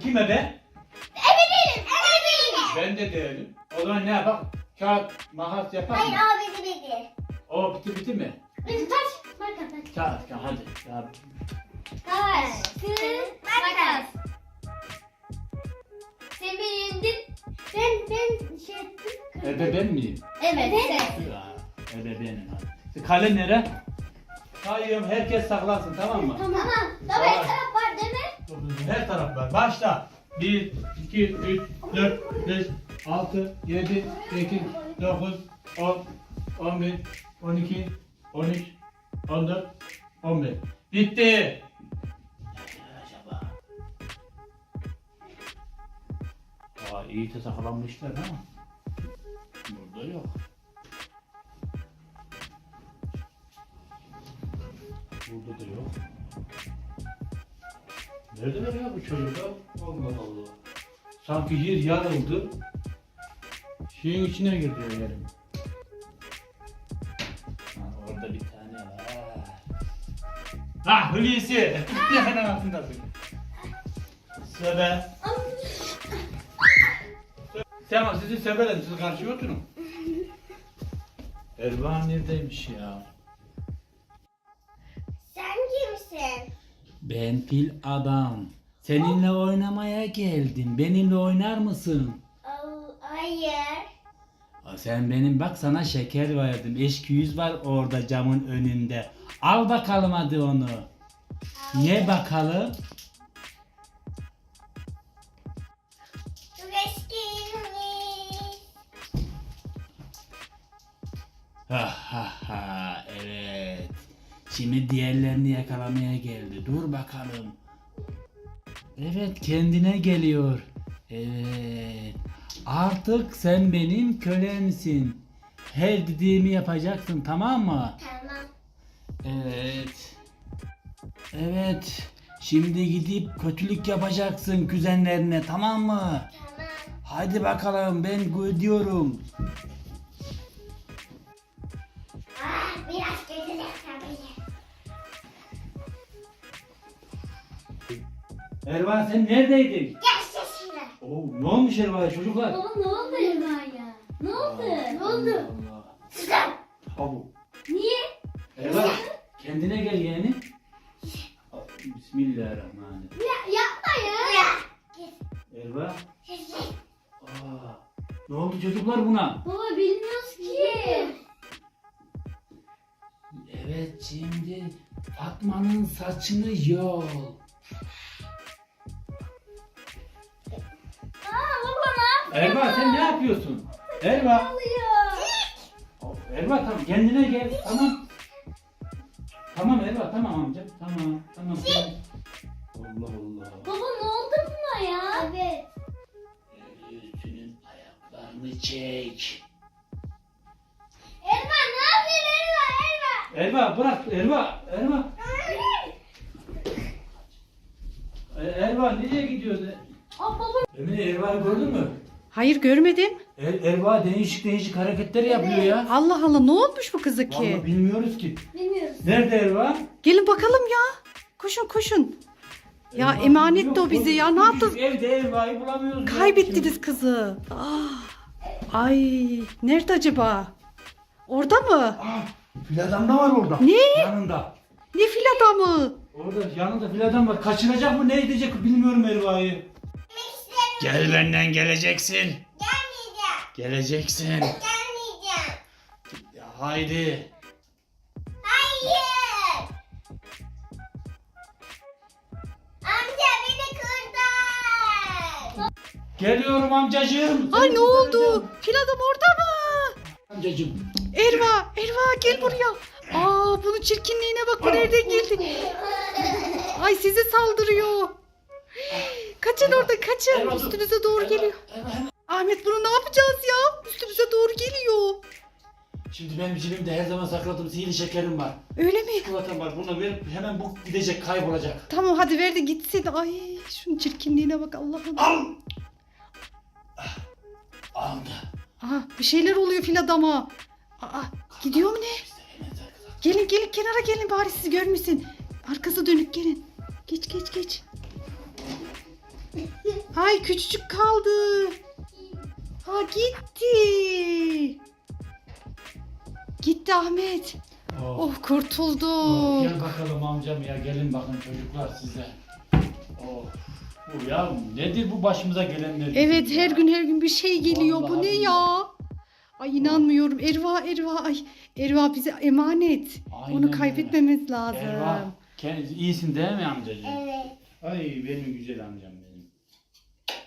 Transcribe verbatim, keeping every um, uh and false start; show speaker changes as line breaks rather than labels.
Kime ben?
Ebe değilim. Ebe değilim.
Ben de değilim. O zaman ne yapalım? Kağıt, makas yapar mı?
Hayır o bizi bildi.
O bitti bitti mi?
Bizi taş. Makas.
Kağıt, kağıt hadi. Ya,
Taş. Kız. Makas. Sen beni yendin. Ben ben şey ettim.
ebe ben miyim?
Evet. Evet.
Ya, ebe benim hadi. Kale nere? Sayıyorum, herkes saklansın, tamam mı?
Tamam. Tamam. Her taraf var değil mi?
Her taraf var. Başla. bir, iki, üç, dört, beş, altı, yedi, sekiz, dokuz, on, on bir, on iki, on üç, on dört, on beş. Bitti. Nerede acaba? Aa, iyi de saklanmışlar ama burada yok. Burada da yok. Neredeler ya bu çocuklar? Allah Allah. Sanki yer yarıldı. Şeyin içine girdi yerim. Ha, orada bir tane var. Ha, Hulusi. Hemen altındasın. Sebe. Tamam, sizi seberim. Siz karşıya oturun. Ervan neredeymiş ya?
Sen kimsin?
Ben fil adam. Seninle oynamaya geldim. Benimle oynar mısın?
Oh, hayır.
Aa, sen benim bak sana şeker verdim. Eşküyüz var orada camın önünde. Al bakalım hadi onu. Ye bakalım.
Çok eskiymiş.
Ha ha ha evet. Şimdi diğerlerini yakalamaya geldi. Dur bakalım. Evet kendine geliyor. Evet. Artık sen benim kölemsin. Her dediğimi yapacaksın, tamam mı?
Tamam.
Evet. Evet. Şimdi gidip kötülük yapacaksın kuzenlerine, tamam mı?
Tamam.
Hadi bakalım ben gidiyorum.
Ah, biraz kötü de tabii.
Ervan sen neredeydin?
Gel sesine.
Oo, ne olmuş Ervan'a çocuklar?
Baba ne oldu Erva'ya? Ne oldu? Ne oldu?
Allah.
Sen.
Habu.
Niye?
Ervan kendine gel yeğenim. Bismillahirrahmanirrahim.
Ya, yapma ya. Ya.
Ervan. Aa, ne oldu çocuklar buna?
Baba bilmiyoruz ki.
Evet şimdi Fatma'nın saçını yol.
Aa baba ne yapıyorsun?
Erva sen ne yapıyorsun? Erva.
oluyor?
Erva tamam kendine gel tamam. Tamam Erva tamam amca tamam tamam. tamam. Allah Allah.
Baba ne oldu buna ya? Evet.
Senin ayaklarını çek.
Erva ne yapıyorsun Erva? Erva.
Erva bırak Erva Erva. E, Erva nereye gidiyorsun?
Aa baba.
Emine Erva'yı gördün mü?
Hayır görmedim.
Er, Erva değişik değişik hareketler yapıyor ya.
Allah Allah ne olmuş bu kıza ki?
Vallahi bilmiyoruz ki.
Bilmiyoruz.
Nerede Erva?
Gelin bakalım ya. Koşun koşun. Ya
Erva
emanetti
yok,
o bize ya. Ne
küçücük
yaptınız?
Evde Erva'yı bulamıyoruz. ya.
Kaybettiniz kızı. Ah. Ay nerede acaba? Orada mı?
Ah, fil adam da var orada.
Ne?
Yanında.
Ne fil adamı?
Orada yanında fil adam var. Kaçıracak mı ne edecek bilmiyorum Erva'yı. Gel benden geleceksin.
Gelmeyeceğim.
Geleceksin.
Gelmeyeceğim.
Ya, haydi.
Hayır. Amca beni kurtar.
Geliyorum amcacığım.
Ay ne oldu? Fil adam orada mı?
Amcacığım.
Erva, Erva gel buraya. Aa bunun çirkinliğine bak bu nereden geldi? Ay size saldırıyor. Kaçın orada kaçın.
Erva, dur.
Üstünüze doğru
Erva,
geliyor.
Erva, Erva.
Ahmet bunu ne yapacağız ya? Üstümüze doğru geliyor.
Şimdi benim cebimde her zaman sakladığım sihirli şekerim var.
Öyle mi?
Çikolatam var. Bunu ver hemen bu gidecek kaybolacak.
Tamam hadi ver de gitsin. Ay şunun çirkinliğine bak Allah'ım.
Al. Ah, aldı.
Aha bir şeyler oluyor fil adama. Aa gidiyor mu ne?
Biz de hemen saklayalım.
Gelin gelin kenara gelin bari siz görmesin. Arkası dönük gelin. Geç geç geç. Ay küçücük kaldı. Ha gitti. Gitti Ahmet.
Oh.
Oh kurtuldu.
Oh, gel bakalım amcam ya, gelin bakın çocuklar size. Oh. Bu ya nedir bu başımıza gelenler?
Evet
ya?
her gün her gün bir şey geliyor. Bu
Vallahi
ne
billahi.
ya? Ay inanmıyorum. Erva Erva ay Erva bize emanet.
Aynen
Onu
öyle.
kaybetmemiz lazım.
Erva, kendisi iyisin değil mi amcacığım?
Evet.
Ay benim güzel amcam